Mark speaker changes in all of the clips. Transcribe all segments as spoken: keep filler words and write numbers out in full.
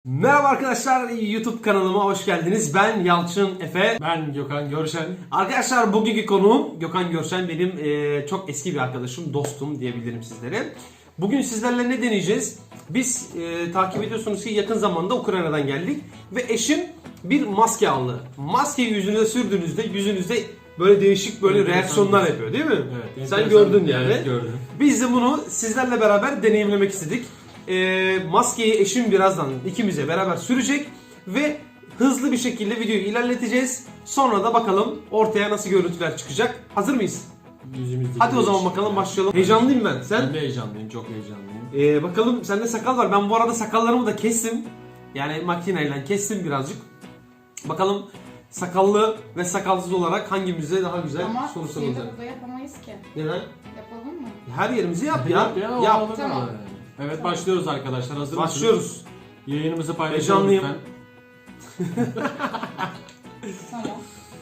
Speaker 1: Merhaba arkadaşlar, YouTube kanalıma hoş geldiniz. Ben Yalçın Efe.
Speaker 2: Ben Gökhan Görşen.
Speaker 1: Arkadaşlar bugünkü konuğum Gökhan Görşen. Benim e, çok eski bir arkadaşım, dostum diyebilirim sizlere. Bugün sizlerle ne deneyeceğiz? Biz e, takip ediyorsunuz ki yakın zamanda Ukrayna'dan geldik. Ve eşim bir maske aldı. Maskeyi yüzünüze sürdüğünüzde yüzünüzde böyle değişik böyle
Speaker 2: Enteresan
Speaker 1: reaksiyonlar
Speaker 2: bir-
Speaker 1: yapıyor değil mi?
Speaker 2: Evet,
Speaker 1: Sen
Speaker 2: enteresan-
Speaker 1: gördün yani.
Speaker 2: Evet, gördüm.
Speaker 1: Biz de bunu sizlerle beraber deneyimlemek istedik. E, maskeyi eşim birazdan ikimize beraber sürecek ve hızlı bir şekilde videoyu ilerleteceğiz. Sonra da bakalım ortaya nasıl görüntüler çıkacak. Hazır mıyız?
Speaker 2: Yüzümüzdeki
Speaker 1: Hadi o zaman
Speaker 2: değişiklikler.
Speaker 1: bakalım, başlayalım. Heyecanlıyım ben.
Speaker 2: Ben
Speaker 1: Sen?
Speaker 2: de heyecanlıyım, çok heyecanlıyım.
Speaker 1: Ee, bakalım sende sakal var. Ben bu arada sakallarımı da kestim. Yani makineyle kestim birazcık. Bakalım sakallı ve sakalsız olarak hangimize daha güzel
Speaker 3: Ama
Speaker 1: sonuçlar
Speaker 3: şeyde
Speaker 1: olacak.
Speaker 3: burada yapamayız ki.
Speaker 1: Neden?
Speaker 3: Yapalım mı?
Speaker 1: Her yerimizi yap ya.
Speaker 2: Yap ya, o
Speaker 1: Yap.
Speaker 2: olur
Speaker 3: Tamam.
Speaker 2: ama. Evet, başlıyoruz arkadaşlar. Hazır mısınız?
Speaker 1: Başlıyoruz.
Speaker 2: Yayınımızı paylaşalım
Speaker 1: Heyecanlıyım.
Speaker 2: lütfen.
Speaker 3: Tamam.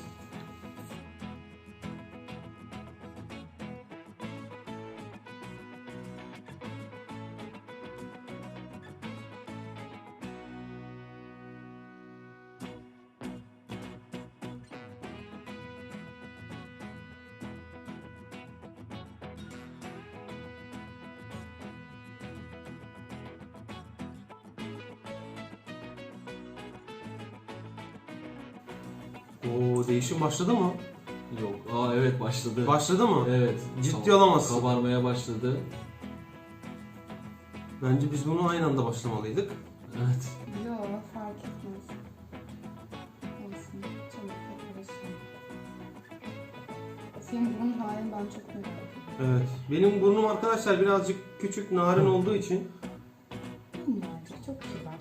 Speaker 1: Oo, değişim başladı mı?
Speaker 2: Yok. Aa evet, başladı.
Speaker 1: Başladı mı?
Speaker 2: Evet.
Speaker 1: Ciddi
Speaker 2: Kab-
Speaker 1: olamazsın.
Speaker 2: Kabarmaya başladı.
Speaker 1: Bence biz bunu aynı anda başlamalıydık.
Speaker 2: Evet.
Speaker 3: Yok, fark etmez. Olsun. Çabuk yaparız. Senin burun halin ben çok merak ediyorum.
Speaker 1: Evet. Benim burnum arkadaşlar birazcık küçük, narin olduğu için.
Speaker 3: Minnacık, çok kibar.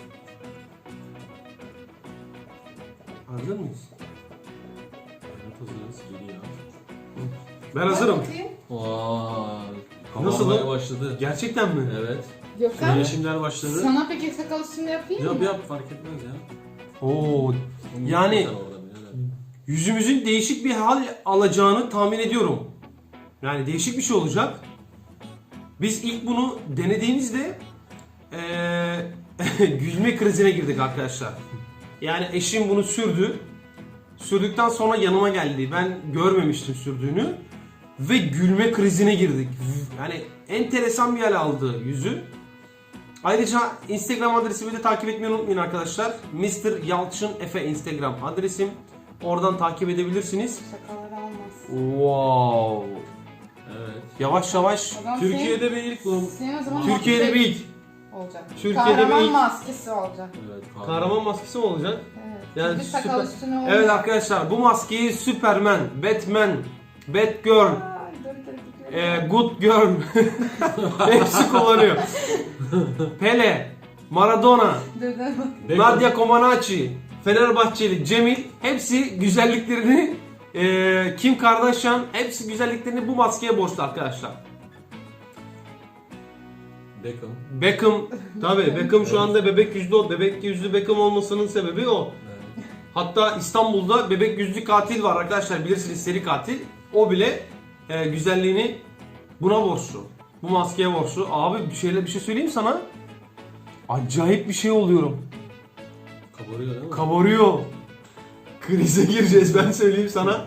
Speaker 1: Hazır mıyız?
Speaker 2: Evet, hazırız. Geliyor.
Speaker 1: Ben hazırım.
Speaker 3: Bak bakayım.
Speaker 2: Vay.
Speaker 1: Nasıl
Speaker 2: Kabarmaya
Speaker 1: lan?
Speaker 2: başladı.
Speaker 1: Gerçekten mi?
Speaker 2: Evet.
Speaker 3: Gökhan,
Speaker 2: Değişimler başladı.
Speaker 3: sana peki sakal üstünde yapayım
Speaker 2: Yap
Speaker 3: mı?
Speaker 2: yap, fark etmez ya.
Speaker 1: Oo. Yani-
Speaker 2: Sen oradan, evet.
Speaker 1: Yüzümüzün değişik bir hal alacağını tahmin ediyorum. Yani değişik bir şey olacak. Biz ilk bunu denediğimizde eee gülme krizine girdik arkadaşlar. Yani eşim bunu sürdü. Sürdükten sonra yanıma geldi. Ben görmemiştim sürdüğünü. Ve gülme krizine girdik. Yani enteresan bir hal aldı yüzü. Ayrıca Instagram adresimi de takip etmeyi unutmayın arkadaşlar. mister Yalçın Efe Instagram adresim. Oradan takip edebilirsiniz.
Speaker 3: Sakalları almaz.
Speaker 1: Wow.
Speaker 2: Evet.
Speaker 1: Yavaş yavaş.
Speaker 3: Adam
Speaker 2: Türkiye'de bir ilk bu.
Speaker 3: senin, senin o zaman
Speaker 1: Türkiye'de
Speaker 3: maske
Speaker 1: bir ilk.
Speaker 3: olacak.
Speaker 1: Türkiye'de
Speaker 3: Kahraman
Speaker 1: bir ilk.
Speaker 3: maskesi olacak.
Speaker 2: Evet.
Speaker 1: Kahraman maskesi mi olacak?
Speaker 3: Evet.
Speaker 1: Yani
Speaker 3: Çünkü sakal
Speaker 1: süper-
Speaker 3: üstüne olacak.
Speaker 1: Evet arkadaşlar, bu maskeyi Superman, Batman, Batgirl,
Speaker 3: Ay, dur, dur, dur, dur.
Speaker 1: e, Good Girl hepsi kullanıyor. Pele, Maradona,
Speaker 3: Dur, dur, bak.
Speaker 1: Nadia Comaneci, Fenerbahçeli, Cemil hepsi güzelliklerini e, Kim Kardashian hepsi güzelliklerini bu maskeye borçlu arkadaşlar.
Speaker 2: Beckham.
Speaker 1: Beckham, tabii Beckham şu anda bebek yüzlü o. Bebek yüzlü Beckham olmasının sebebi o.
Speaker 2: Evet.
Speaker 1: Hatta İstanbul'da bebek yüzlü katil var arkadaşlar, bilirsiniz, seri katil. O bile e, güzelliğini buna borçlu. Bu maskeye borçlu. Abi bir şeyler bir şey söyleyeyim sana. Acayip bir şey oluyorum.
Speaker 2: Kabarıyor değil mi?
Speaker 1: Kabarıyor. Krize gireceğiz, ben söyleyeyim sana.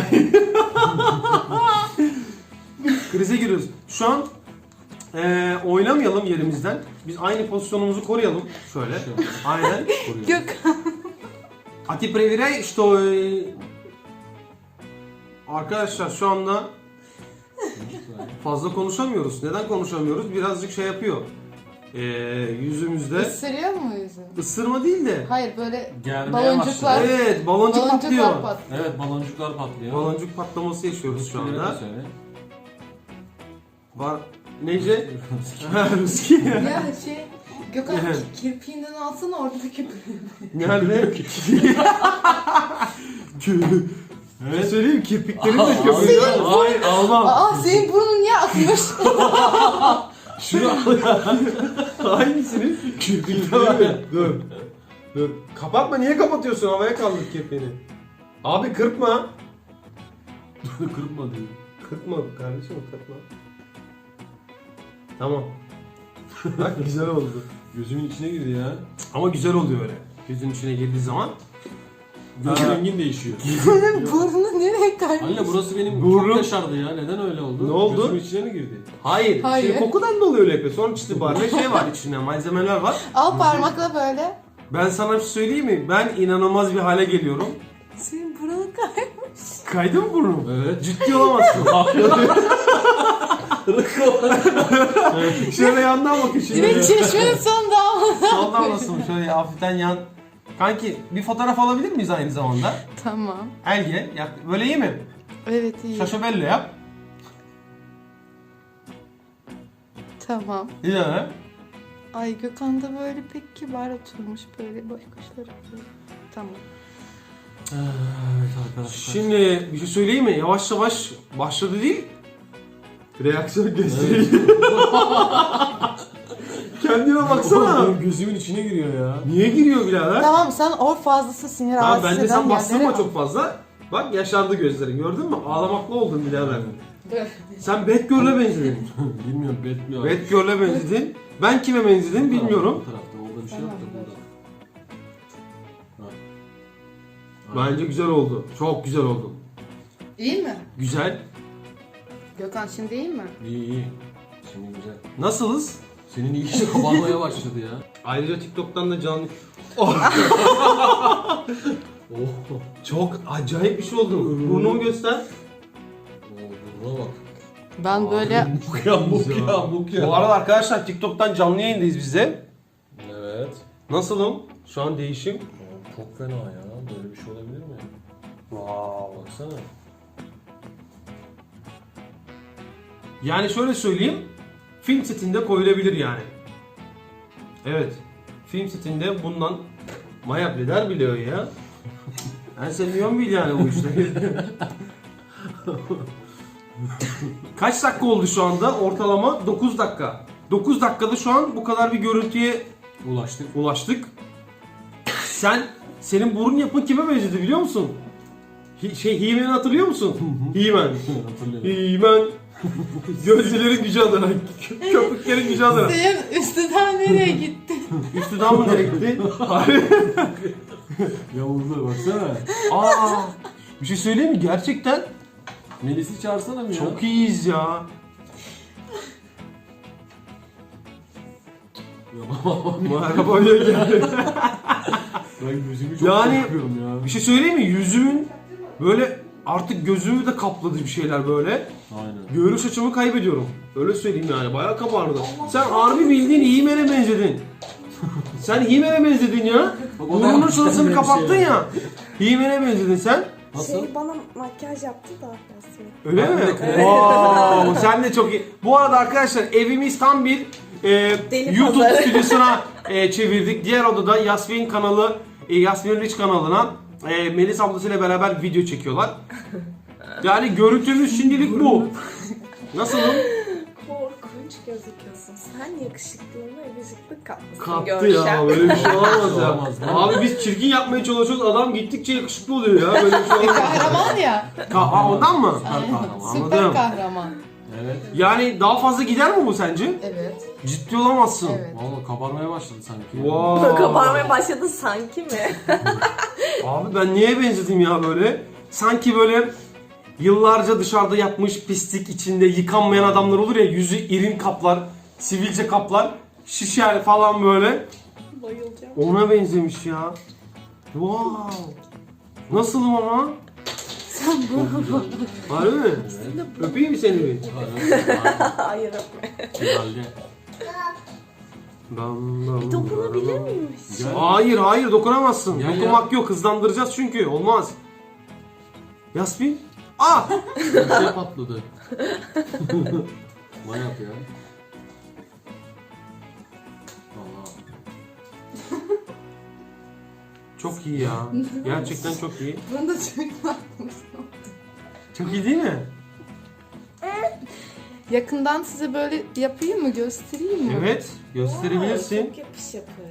Speaker 1: Krize giriyoruz. Şu an e, oynamayalım yerimizden. Biz aynı pozisyonumuzu koruyalım. Şöyle. Aynen.
Speaker 2: Koruyor.
Speaker 3: Gökhan.
Speaker 1: А ты проверяй, что э, arkadaşlar şu anda fazla konuşamıyoruz. Neden konuşamıyoruz? Birazcık şey yapıyor. Ee, yüzümüzde
Speaker 3: Isırıyor mu yüzünü?
Speaker 1: ısırma değil de.
Speaker 3: Hayır, böyle
Speaker 2: Germeye
Speaker 3: baloncuklar.
Speaker 2: başladı.
Speaker 1: Evet, baloncuk patlıyor.
Speaker 3: Baloncuklar patlıyor.
Speaker 2: Evet, baloncuklar patlıyor.
Speaker 1: Baloncuk patlaması yaşıyoruz şu
Speaker 2: Söyle,
Speaker 1: anda.
Speaker 2: söyle.
Speaker 1: Var. Neyce? Ha, Ruski.
Speaker 3: Ya şey, Gökhan
Speaker 1: Evet.
Speaker 3: kirpiğinden alsana oradaki.
Speaker 1: Nerede? Evet. Söyleyeyim, kirpiklerim de köpürüyor. Hayır, almam.
Speaker 3: Aa, senin burnun niye akmış?
Speaker 1: Şunu al. Hangisini? Kirpikleri. Dur. Dur. Kapatma, niye kapatıyorsun? Havaya kaldır kirpiğini. Abi kırpma.
Speaker 2: Kırpma diyor.
Speaker 1: Kırpma kardeşim, kırpma. Tamam. Bak güzel oldu.
Speaker 2: Gözümün içine girdi ya.
Speaker 1: Ama güzel oluyor öyle. Gözün içine girdiği zaman.
Speaker 2: Göz
Speaker 1: Ha.
Speaker 2: rengin değişiyor.
Speaker 3: Burnu nereye kaymış?
Speaker 2: Anne burası benim
Speaker 1: Burnum-
Speaker 2: çok yaşardı ya. Neden öyle oldu?
Speaker 1: Ne oldu?
Speaker 2: Gözümün içine mi girdi?
Speaker 1: Hayır.
Speaker 3: Hayır.
Speaker 1: Şimdi kokudan dolayı öyle yapıyor. Sonuç itibariyle şey var içinde, malzemeler var.
Speaker 3: Al parmakla böyle.
Speaker 1: Ben sana bir şey söyleyeyim mi? Ben inanılmaz bir hale geliyorum.
Speaker 3: Senin burnun kaymış.
Speaker 1: Kaydı mı burnum?
Speaker 2: Evet.
Speaker 1: Ciddi olamazsın. Şöyle yandan bakın şimdi.
Speaker 3: Direkt çeşmenin son damla.
Speaker 1: Soldan nasıl? Şöyle hafiften yan. Kanki bir fotoğraf alabilir miyiz aynı zamanda?
Speaker 3: Tamam.
Speaker 1: Elge. Yap. Böyle iyi mi?
Speaker 3: Evet iyi.
Speaker 1: Şaşobello yap.
Speaker 3: Tamam.
Speaker 1: İyi de.
Speaker 3: Ay Gökhan da böyle pek kibar oturmuş böyle boş kuşlar böyle. Tamam.
Speaker 2: Evet arkadaşlar.
Speaker 1: Şimdi bir şey söyleyeyim mi? Yavaş yavaş başladı değil. Reaksiyon gösteriyor. Kendine baksana.
Speaker 2: Benim gözümün içine giriyor ya.
Speaker 1: Niye giriyor birader?
Speaker 3: Tamam sen or fazlası sinir
Speaker 1: Tamam
Speaker 3: rahatsız
Speaker 1: bence
Speaker 3: eden
Speaker 1: sen bastırma
Speaker 3: yerlere
Speaker 1: çok fazla. Bak yaşardı gözlerin gördün mü? Ağlamaklı oldun birader.
Speaker 3: al.
Speaker 1: Sen Batgirl'e benzedin.
Speaker 2: Bilmiyorum betmiyor.
Speaker 1: Batgirl'e benzedin. Ben kime benzedim bilmiyorum.
Speaker 2: Bu tarafta orada bir şey yok da
Speaker 3: Tamam,
Speaker 2: burada. Ha.
Speaker 1: Bence güzel oldu. Çok güzel oldu.
Speaker 3: İyi mi?
Speaker 1: Güzel.
Speaker 3: Gökhan şimdi iyi mi?
Speaker 2: İyi iyi. Şimdi güzel.
Speaker 1: Nasılız?
Speaker 2: Senin iyice kabarmaya başladı ya.
Speaker 1: Ayrıca TikTok'tan da canlı... Oh.
Speaker 2: Oh.
Speaker 1: Çok acayip bir şey oldu. Burnumu göster.
Speaker 2: Oo, burnuna bak.
Speaker 3: Ben böyle
Speaker 2: Muk ya muk ya muk ya.
Speaker 1: Bu arada arkadaşlar TikTok'tan canlı yayındayız biz de.
Speaker 2: Evet.
Speaker 1: Nasılım? Şu an değişim.
Speaker 2: Oo, çok fena ya. Böyle bir şey olabilir mi?
Speaker 1: Wow.
Speaker 2: Baksana.
Speaker 1: Yani şöyle söyleyeyim. Film setinde koyulabilir yani. Evet. Film setinde bundan Maya Bleder biliyor ya. Ben seviyorum bil yani bu işleri. Kaç dakika oldu şu anda? Ortalama dokuz dakika. dokuz dakikada şu an bu kadar bir görüntüye
Speaker 2: Ulaştık.
Speaker 1: ulaştık. Sen, senin burun yapın kime benzedi biliyor musun? Hi- şey He-Man'i hatırlıyor musun? He-Man.
Speaker 2: Hatırlıyorum.
Speaker 1: He-Man. Gözlerin gücü adına, kö- köpüklerin gücü adına.
Speaker 3: senin üstünden nereye gitti?
Speaker 1: Üstüden mı nereye gitti? Hayır.
Speaker 2: Yavuzlar baksana.
Speaker 1: Aa, bir şey söyleyeyim mi? Gerçekten
Speaker 2: Melis'i çağırsana mı ya?
Speaker 1: çok iyiyiz ya. Merhaba diye geldi.
Speaker 2: Ben gözümü çok
Speaker 1: Yani-
Speaker 2: korkuyorum ya.
Speaker 1: Bir şey söyleyeyim mi? Yüzümün böyle artık gözümü de kapladı bir şeyler böyle.
Speaker 2: Aynen.
Speaker 1: Görüş açımı kaybediyorum. Öyle söyleyeyim yani. Bayağı kabardı. Sen harbi bildiğin He-Man'e benzedin. Sen He-Man'e benzedin ya.
Speaker 2: Bak, o da
Speaker 1: Burnunun
Speaker 2: yapmış
Speaker 1: şurasını
Speaker 2: kendine bir
Speaker 1: kapattın
Speaker 2: şey.
Speaker 1: ya. He-Man'e benzedin sen.
Speaker 2: Nasıl?
Speaker 4: Şey bana makyaj yaptı da Yasmin.
Speaker 1: Öyle
Speaker 2: Ben
Speaker 1: mi?
Speaker 2: de-
Speaker 1: Wow, sen de çok iyi. Bu arada arkadaşlar evimiz tam bir e,
Speaker 4: Deli
Speaker 1: YouTube
Speaker 4: pazarı.
Speaker 1: stüdyosuna e, çevirdik. Diğer odada Yasmin kanalı, e, Yasmin Rich kanalına e, Melis ablasıyla beraber video çekiyorlar. Yani görüntümüz şimdilik bu. Nasılım?
Speaker 4: Korkunç gözüküyorsun. Sen yakışıklığına yakışıklı katmışsın
Speaker 1: Kaptı
Speaker 4: görüşen.
Speaker 1: ya, böyle bir şey olamaz ya.
Speaker 2: Olamaz, değil mi?
Speaker 1: Abi biz çirkin yapmaya çalışıyoruz, adam gittikçe yakışıklı oluyor ya, böyle bir şey olamaz.
Speaker 3: Kahraman ya.
Speaker 1: Ka- ha, ondan mı?
Speaker 3: Süper
Speaker 1: Anladım.
Speaker 3: kahraman.
Speaker 2: Evet.
Speaker 1: Yani daha fazla gider mi bu sence?
Speaker 3: Evet.
Speaker 1: Ciddi olamazsın.
Speaker 3: Evet.
Speaker 2: Valla kabarmaya başladı sanki.
Speaker 1: Wow.
Speaker 4: Kabarmaya başladı sanki mi?
Speaker 1: Abi ben niye benzedim ya böyle? Sanki böyle yıllarca dışarıda yapmış pislik içinde yıkanmayan adamlar olur ya, yüzü irin kaplar, sivilce kaplar, şişer falan böyle.
Speaker 4: Bayılacağım.
Speaker 1: Ona benzemiş ya. Wow. Nasılım ama?
Speaker 3: Sen bu.
Speaker 1: Harbi mi? Öpeyim mi seni bir?
Speaker 4: Hayır öpme.
Speaker 2: Herhalde.
Speaker 1: Bam, bam,
Speaker 4: Bir dokunabilir
Speaker 1: bam.
Speaker 4: miyim?
Speaker 2: Gel.
Speaker 1: Hayır hayır dokunamazsın.
Speaker 2: Gel
Speaker 1: Dokunmak yok, hızlandıracağız çünkü olmaz. Yasmin? Ah!
Speaker 2: Bir şey patladı. Manyak ya. Valla.
Speaker 1: Çok iyi ya. Gerçekten çok iyi.
Speaker 3: Bunu da çok bakmış.
Speaker 1: Çok iyi değil mi?
Speaker 3: Yakından size böyle yapayım mı? Göstereyim mi?
Speaker 1: Evet. Gösterebilirsin.
Speaker 4: Çok yapış yapış.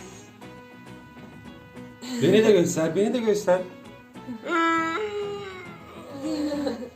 Speaker 1: Beni de göster, beni de göster.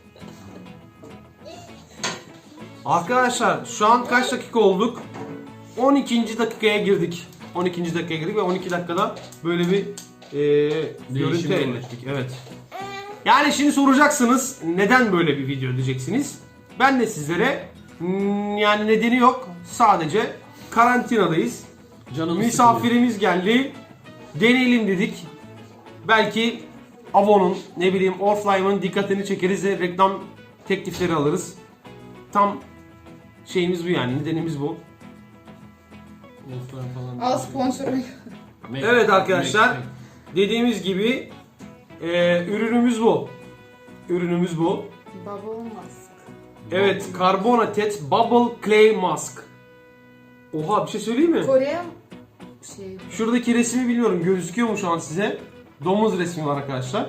Speaker 1: Arkadaşlar şu an kaç dakika olduk? on ikinci dakikaya girdik. on ikinci dakikaya girdik ve on iki dakikada böyle bir e, görüntü elde ettik. Evet. Yani şimdi soracaksınız neden böyle bir video diyeceksiniz. Ben de sizlere hmm, yani nedeni yok. Sadece karantinadayız.
Speaker 2: Canımız
Speaker 1: Misafirimiz geldi. Deneyelim dedik. Belki Avon'un ne bileyim Oriflame'ın dikkatini çekeriz ve reklam teklifleri alırız. Tam şeyimiz bu yani. Nedenimiz bu.
Speaker 2: sıkılıyor.
Speaker 3: Al sponsoru.
Speaker 1: Evet arkadaşlar. Dediğimiz gibi e, ürünümüz bu. Ürünümüz bu.
Speaker 3: Bubble mask.
Speaker 1: Evet, Carbonated Bubble Clay Mask. Oha, bir şey söyleyeyim mi?
Speaker 3: Kore şey.
Speaker 1: Şuradaki resmi bilmiyorum, gözüküyor mu şu an size? Domuz resmi var arkadaşlar.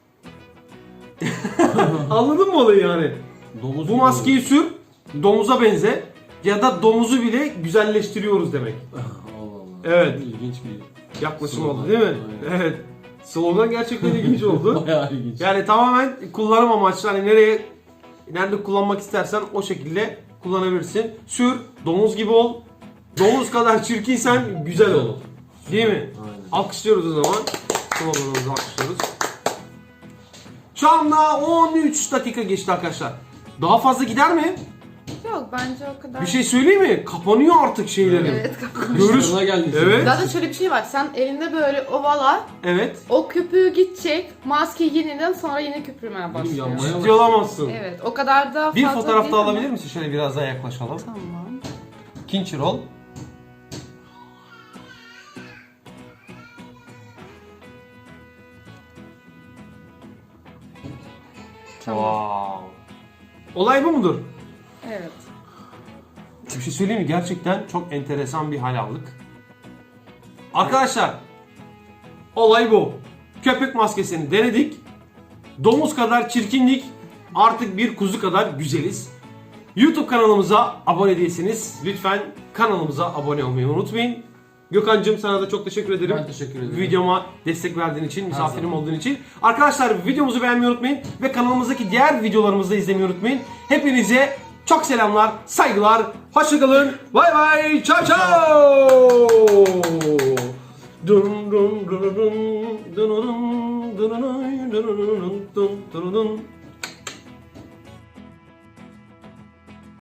Speaker 1: Anladın mı olayı yani?
Speaker 2: Domuz
Speaker 1: Bu maskeyi sür, domuza benze ya da domuzu bile güzelleştiriyoruz demek.
Speaker 2: Allah Allah.
Speaker 1: Evet.
Speaker 2: İlginç bir
Speaker 1: Yaklaşım
Speaker 2: slogan.
Speaker 1: oldu değil mi?
Speaker 2: Aynen.
Speaker 1: Evet. Slogan gerçekten ilginç oldu.
Speaker 2: Bayağı ilginç.
Speaker 1: Yani tamamen kullanım amaçlı. Hani nereye, nerede kullanmak istersen o şekilde kullanabilirsin. Sür, domuz gibi ol. Domuz kadar çirkinsen güzel ol. Değil mi?
Speaker 2: Aynen.
Speaker 1: Alkışlıyoruz o zaman. Sloganımızı alkışlıyoruz. Şu anda on üç dakika geçti arkadaşlar. Daha fazla gider mi?
Speaker 3: Yok bence o kadar.
Speaker 1: Bir şey söyleyeyim mi? Kapanıyor artık şeylerim.
Speaker 3: Evet kapanıyor.
Speaker 1: Görüş.
Speaker 2: Kışlarına geldik.
Speaker 1: Evet.
Speaker 3: Zaten şöyle bir şey var. Sen elinde böyle ovala,
Speaker 1: Evet.
Speaker 3: o köpüğü gidecek, maske yeniden sonra yine köpürmeye
Speaker 2: Benim
Speaker 3: başlıyor.
Speaker 2: yanmaya
Speaker 1: Ciddi olamazsın.
Speaker 3: Evet, o kadar da fazla
Speaker 1: Bir fotoğraf
Speaker 3: değil
Speaker 1: daha
Speaker 3: ama-
Speaker 1: alabilir misin? Şöyle biraz daha yaklaşalım.
Speaker 3: Tamam.
Speaker 1: İkinci rol.
Speaker 3: Tamam.
Speaker 1: Wow. Olay bu mudur?
Speaker 3: Evet.
Speaker 1: Bir şey söyleyeyim mi? Gerçekten çok enteresan bir hal aldık. Arkadaşlar, olay bu. Köpek maskesini denedik. Domuz kadar çirkinlik, artık bir kuzu kadar güzeliz. YouTube kanalımıza abone değilseniz lütfen kanalımıza abone olmayı unutmayın. Gökhan'cığım sana da çok teşekkür ederim.
Speaker 2: Ben teşekkür ederim.
Speaker 1: Videoma destek verdiğin için, misafirim
Speaker 2: zaman.
Speaker 1: olduğun için. Arkadaşlar videomuzu beğenmeyi unutmayın ve kanalımızdaki diğer videolarımızı da izlemeyi unutmayın. Hepinize çok selamlar, saygılar, hoşçakalın, bay bay, ciao ciao. Dun dun dun dun dun dun dun dun dun dun dun dun dun.